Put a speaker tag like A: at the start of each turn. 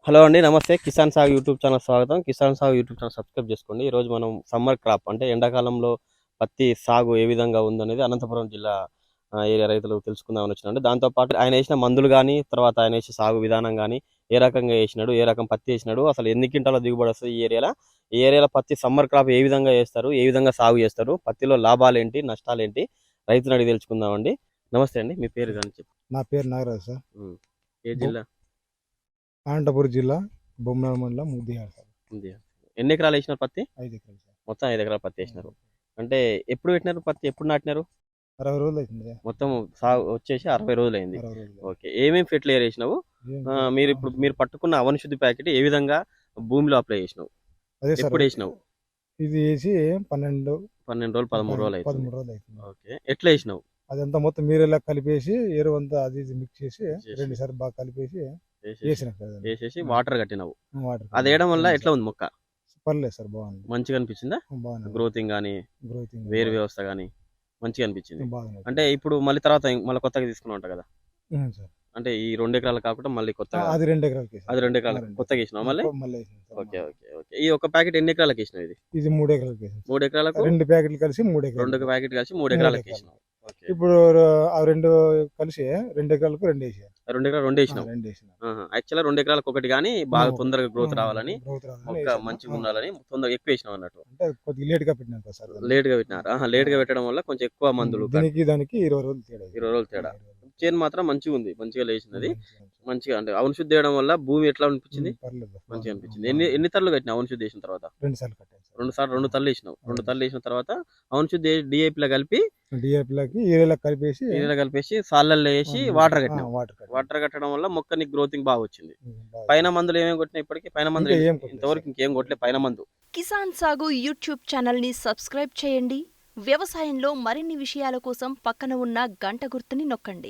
A: Hello అండి. నమస్తే. కిసాన్ సాగు యూట్యూబ్ ఛానల్ స్వాగతం. కిసాన్ సాగు యూట్యూబ్ ఛానల్ సబ్స్క్రైబ్ చేసుకోండి. ఈరోజు మనం సమ్మర్ క్రాప్ అంటే ఎండాకాలంలో పత్తి సాగు ఏ విధంగా ఉందనేది అనంతపురం జిల్లా ఏరియా రైతులు తెలుసుకుందామని వచ్చినామండి. దాంతో పాటు ఆయన ఏసిన మందులు గానీ, తర్వాత ఆయన ఏసే సాగు విధానం గానీ, ఏ రకంగా ఏసినాడు, ఏ రకం పత్తి ఏసినాడు, అసలు ఎన్ని క్వింటాల దిగుబడి వస్తది ఈ ఏరియాల? ఈ ఏరియాలో పత్తి సమ్మర్ క్రాప్ ఏ విధంగా ఏస్తారు? ఏ విధంగా సాగు చేస్తారు? పత్తిలో లాభాలేంటి? నష్టాలేంటి? రైతుని అడిగి తెలుసుకుందామండి. నమస్తే అండి. మీ పేరు గాని చెప్పండి.
B: నా పేరు నాగరాజు సార్.
A: హ్మ్. ఏ జిల్లా?
B: అనంతపురం జిల్లా బొమ్మనాడు మండలం ముద్దియాడ సార్.
A: ఉంది. ఎన్ని ఎకరాలు ఏసినారు పత్తి?
B: 5 ఎకరాలు సార్.
A: మొత్తం 5 ఎకరాల పత్తి ఏసినారు. అంటే ఎప్పుడు పెట్టినారు పత్తి? ఎప్పుడు నాటినారు?
B: 60 రోజులు అవుతుంది సార్.
A: మొత్తం సాగు వచ్చేసి 60 రోజులైంది.
B: 60 రోజులు.
A: ఓకే. ఏమేమి ఫెర్టిలైజర్ ఏసినావు? మీరు పట్టుకున్న అవని శుద్ధి ప్యాకెట్ ఏ విధంగా భూమిలో అప్లై చేసినావు?
B: అదే సార్.
A: ఎప్పుడు ఏసినావు?
B: ఇది వేసి 12
A: 12 రోజులు, 13 రోజులు అవుతుంది.
B: 13 రోజులు అవుతుంది.
A: ఓకే. ఎట్లా ఏసినావు?
B: అదంతా మొత్తం మీరేలా కలిపేసి ఎరువు అంతా అది ఇది మిక్స్ చేసి
A: చేసి.
B: 2 సార్లు బాగా కలిపేసి
A: ఏసేసి
B: వేసిన సార్.
A: ఏసేసి వాటర్ కట్టినావు.
B: వాటర్
A: అది వేయడం వల్ల ఎట్లా ఉంది మొక్క?
B: పర్లేదు సార్, బాగుంది.
A: మంచిగా అనిపించిందా?
B: బాగుంది.
A: గ్రోతింగ్ గానీ,
B: గ్రోతింగ్
A: వేరు వ్యవస్థ గానీ మంచిగా అనిపించింది.
B: బాగుంది.
A: అంటే ఇప్పుడు మళ్ళీ తర్వాత మళ్ళీ కొత్తగా తీసుకున్నావు అంట కదా?
B: సార్.
A: అంటే ఈ 2 ఎకరాలు కాకుండా మళ్ళీ కొత్తగా
B: అది 2 ఎకరాలకి
A: అది 2 ఎకరాలు కొత్తగా వేసినావు మళ్ళీ?
B: మళ్ళీ వేసినాం సార్.
A: ఓకే. ఓకే. ఓకే. ఈ ఒక ప్యాకెట్ ఎన్ని ఎకరాలకు వేసినావు ఇది?
B: ఇది 3 ఎకరాలకి వేసాం.
A: 3 ఎకరాలకు
B: 2 ప్యాకెట్లు కలిసి 3 ఎకరాలు.
A: 2 ప్యాకెట్ కలిసి 3 ఎకరాలకు వేసినావు. ఓకే.
B: ఇప్పుడు ఆ 2 కలిసి 2 ఎకరాలకు 2 వేసాను.
A: 2 ఎకరాలు 2 వేసినావు.
B: 2 వేసిన.
A: యాక్చువల్గా 2 ఎకరాలకు ఒకటి కానీ బాగా తొందరగా గ్రోత్ రావాలని, మొక్క
B: వేసాను.
A: మంచిగా ఉండాలని తొందరగా ఎక్కువ వేసినావు అన్నట్టు.
B: అంటే కొద్దిగా లేట్ గా పెట్టినాం కదా సార్.
A: లేట్ గా పెట్టినారు. లేట్ గా పెట్టడం వల్ల కొంచెం ఎక్కువ మందులు
B: దానికి 20 రోజులు తేడా.
A: 20 రోజులు తేడా. చేను మాత్రం మంచిగా ఉంది, మంచిగా లేచినది. మంచిగా అంటే అవును శుద్ధి చేయడం వల్ల భూమి ఎట్లా అనిపించింది?
B: పర్లేదు.
A: మంచిగా అనిపించింది. ఎన్ని తల్లు కట్టినావు అవును శుద్ధి చేసిన తర్వాత?
B: 2 సార్లు కట్టాను సార్.
A: 2 తల్లు వేసినావు. 2 తల్లు వేసిన తర్వాత అవును శుద్ధి డిఏపిలో కలిపి
B: డిఏపిలకి ఏరియాలో కలిపేసి
A: నీళ్ళలో కలిపేసి సాళ్ళల్లో వేసి వాటర్ కట్టినావు.
B: వాటర్
A: వాటర్ కట్టడం వల్ల మొక్క నీకు గ్రోతింగ్ బాగా వచ్చింది. పైన మందులు ఏమేమి కొట్టినా ఇప్పటికి? పైన మందులు ఇంతవరకు ఇంకేం కొట్టలే పైన మందు.
C: కిసాన్ సాగు యూట్యూబ్ ఛానల్ని సబ్స్క్రైబ్ చేయండి. వ్యవసాయంలో మరిన్ని విషయాల కోసం పక్కన ఉన్న గంట గుర్తుని నొక్కండి.